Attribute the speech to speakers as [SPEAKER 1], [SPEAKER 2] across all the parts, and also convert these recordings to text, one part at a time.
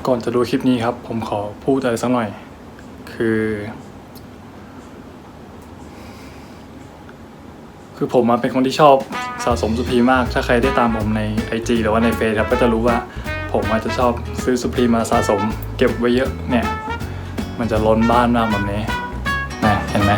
[SPEAKER 1] ก่อนจะดูคลิปนี้ครับ ผมขอพูดอะไรสักหน่อย คือผมเป็นคนที่ชอบสะสมสุพรีมมาก ถ้าใครได้ตามผมใน IG หรือว่าในเฟซครับก็จะรู้ว่าผมอาจจะชอบซื้อสุพรีมาสะสมเก็บไว้เยอะเนี่ยมันจะล้นบ้านมากแบบนี้นะเห็นไหม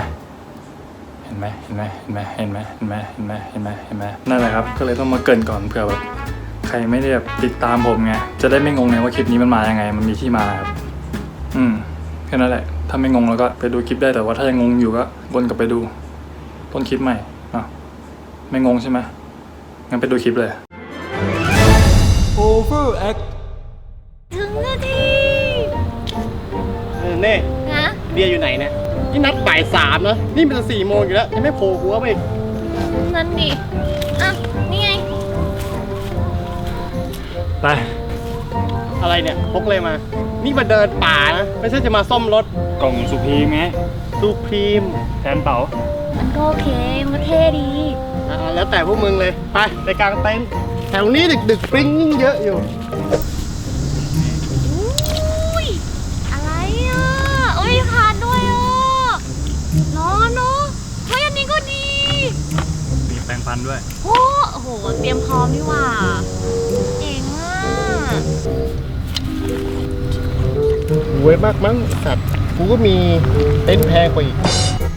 [SPEAKER 1] นั่นแหละครับก็เลยต้องมาเกริ่นก่อนเผื่อแบบใครไม่ได้แบบติดตามผมไงจะได้ไม่งงไงว่าคลิปนี้มันมายังไงมันมีที่มาครับแค่นั้นแหละถ้าไม่งงแล้วก็ไปดูคลิปได้แต่ว่าถ้ายังงงอยู่ก็วนกลับไปดูต้นคลิปใหม่ไม่งงใช่ไหมงั้นไปดูคลิปเลย
[SPEAKER 2] Overact
[SPEAKER 3] ถึงนาที
[SPEAKER 2] เน่
[SPEAKER 3] ฮะ
[SPEAKER 2] เบียร์อยู่ไหนเนี่ยนี่นัดบ่าย3นะนี่มันจะ4 โมงอยู่แล้วยังไม่โผล่หัวไปอีก
[SPEAKER 3] นั่นดิอ่ะนี่ไง
[SPEAKER 1] ไป
[SPEAKER 2] อะไรเนี่ยพกเลยมา นี่มาเดินป่านะไม่ใช่จะมาซ่อมรถ
[SPEAKER 1] กล่องสุพรีไง
[SPEAKER 2] ซูพรีม
[SPEAKER 1] แทนเป๋า
[SPEAKER 3] มันก็โอเคมันก็เท่ดี
[SPEAKER 2] แล้วแต่พวกมึงเลยไปกลางเต็นท์แถวนี้ดึกๆปริ้งยิ่งเยอะอยู่
[SPEAKER 3] อุ้ยอะไรอ่ะโอ้ยผ่านด้วยอ่ะร้อนเนาะเฮ้ยอันนี้ก็ดี
[SPEAKER 1] มีแปรงฟันด้วย
[SPEAKER 3] โอ้โหเตรียมพร้อมนี่หว่าเจ๋งอ่ะ
[SPEAKER 2] รวยมากมั้งสัตว์กูก็มีเต็นท์แพงกว่าอีก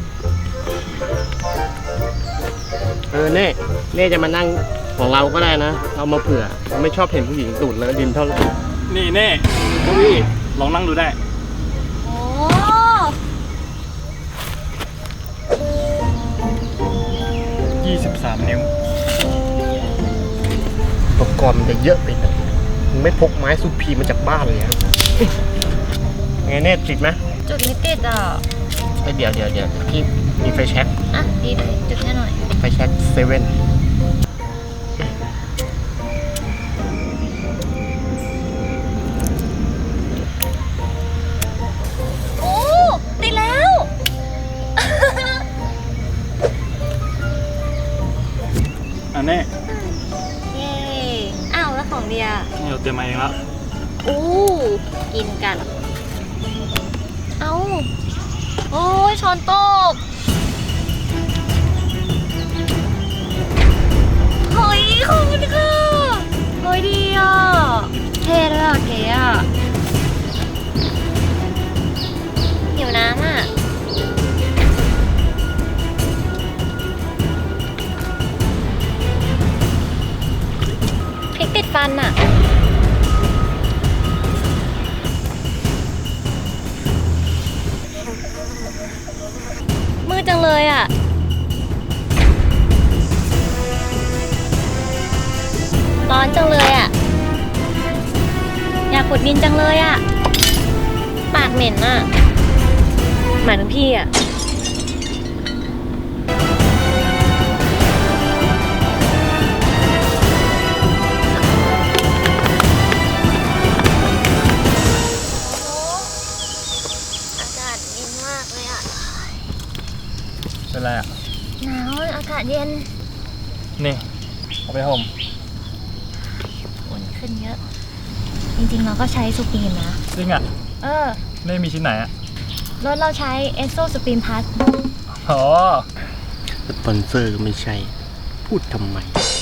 [SPEAKER 2] เน่จะมานั่งของเราก็ได้นะเอามาเผื่อเราไม่ชอบเห็นผู้หญิงตูดเลอะดินเท่าไหร่
[SPEAKER 1] นี่เน่
[SPEAKER 2] อุ้ย
[SPEAKER 1] ลองนั่งดูได้
[SPEAKER 3] โอ้
[SPEAKER 1] 23 นิ้ว
[SPEAKER 2] อุปกรณ์มันจะเยอะไปหน่อยมึงไม่พกไม้ซูพีมาจากบ้านเลยอะไงเน่ติดไหม
[SPEAKER 3] จุดนี้ติดอ่ะ
[SPEAKER 2] เดี๋ยวพี่มีไฟแช็ก
[SPEAKER 3] อ่ะดีเลยจุดให้หน่อย
[SPEAKER 2] ไฟแช็กเซเว่น
[SPEAKER 3] โอ้ติดแล้ว
[SPEAKER 1] อันนี้
[SPEAKER 3] เย้อ้าวแล้วของเดีย
[SPEAKER 1] นี่เราเตรียมมาเองแล้ว
[SPEAKER 3] อู้กินกัน เอาโอ้ยช้อนโต๊ะเฮ้ยขอบคุณค่ะเฮ้ยดีอ่ะเท่ด้วยอ่ะเก๋อ่ะหิวน้ำอ่ะพริกติดฟันอ่ะมืดจังเลยอ่ะร้อนจังเลยอ่ะอยากขุดดินจังเลยอ่ะปากเหม็นอ่ะหมายถึงพี่อ่ะอากาศเย็นมากเลยอ่ะ
[SPEAKER 1] เป็นไรอ่ะ
[SPEAKER 3] หนาวอากาศเย็น
[SPEAKER 1] นี่ เอาไปห่ม
[SPEAKER 3] อุ่นขึ้นเยอะ จริงๆเราก็ใช้สุปีมนะ
[SPEAKER 1] จริงอ่ะ
[SPEAKER 3] เออ
[SPEAKER 1] เน่มีชิ้นไหนอ่ะ
[SPEAKER 3] รถเราใช้เอสโซสุปีมพัท
[SPEAKER 1] อ๋อ
[SPEAKER 2] สปอนเซอร์ไม่ใช่ พูดทำไม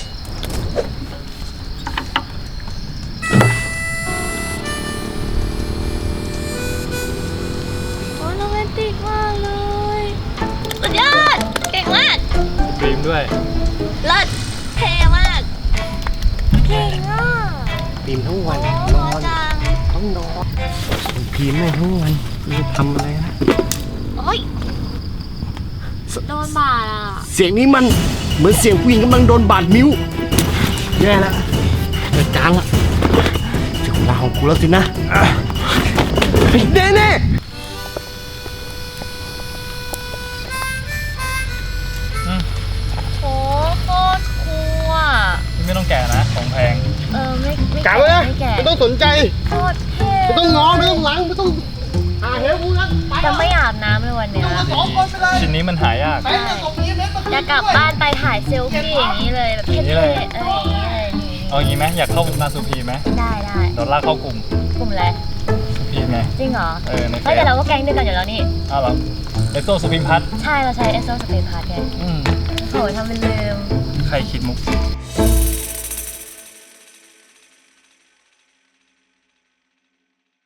[SPEAKER 3] โอ้โรแมนติกมากเลยสุดยอดเก่งมาก
[SPEAKER 1] ครีมด้วย
[SPEAKER 3] เลิศเท่มากเก่งอ่ะ
[SPEAKER 2] พิมพ์ทั้งวัน
[SPEAKER 3] โอ้
[SPEAKER 2] น
[SPEAKER 3] โห
[SPEAKER 2] อน
[SPEAKER 3] จัง
[SPEAKER 2] ต้องนอนพิมพ์ไม่ทั้งวันจะทำอะไรนะ
[SPEAKER 3] โอ้ยโดนบาดอ่ะ
[SPEAKER 2] เสียงนี้มันเหมือนเสียงผู้หญิงกำลังโดนบาดนิ้วแย่แล้วเกิดการละถึงเวลาของกูแล้วสินะเน่
[SPEAKER 3] โอ้โคตรคูลอ่ะ
[SPEAKER 1] ไม่ต้องแกะนะ ของแพง
[SPEAKER 3] ไม่
[SPEAKER 2] กลับเลยนะ
[SPEAKER 3] ไม่แก่
[SPEAKER 2] ไม่ต้องสนใจ
[SPEAKER 3] โคตรเท่
[SPEAKER 2] ไม่ต้องงอไม่ต้องล้างไม่ต้องหาเหวกูนะไป
[SPEAKER 3] จะไม่อาบน้ำเลยวันเนี้ย
[SPEAKER 2] สองคนไปเลย
[SPEAKER 1] ชิ้นนี้มันหายาก
[SPEAKER 2] ไปเลยตรงนี้เน็ต
[SPEAKER 3] จะกลับบ้านไปถ่ายเซลฟี่อย่างนี้เลยแบบเท่ๆอะไรอย่างนี้เลยนี่
[SPEAKER 1] เอางี้ไหมอยากเข้าวงการสุพีไหม
[SPEAKER 3] ได้
[SPEAKER 1] เดี๋ยวลากเข้ากลุ่ม
[SPEAKER 3] กลุ่มอะไร
[SPEAKER 1] สุพีไง
[SPEAKER 3] จริงเหรอ
[SPEAKER 1] ในเฟ
[SPEAKER 3] เฮ้ย
[SPEAKER 1] ซ
[SPEAKER 3] แต่เราก็แก๊งเดียวกันอยู่แล้วนี่
[SPEAKER 1] อ้าวเหรอเอสโซสุพิมพัฒน์
[SPEAKER 3] ใช่เราใช้เอสโซสเปนพาร์ทไงโหทำเป็นลืม
[SPEAKER 1] ใครคิดมุก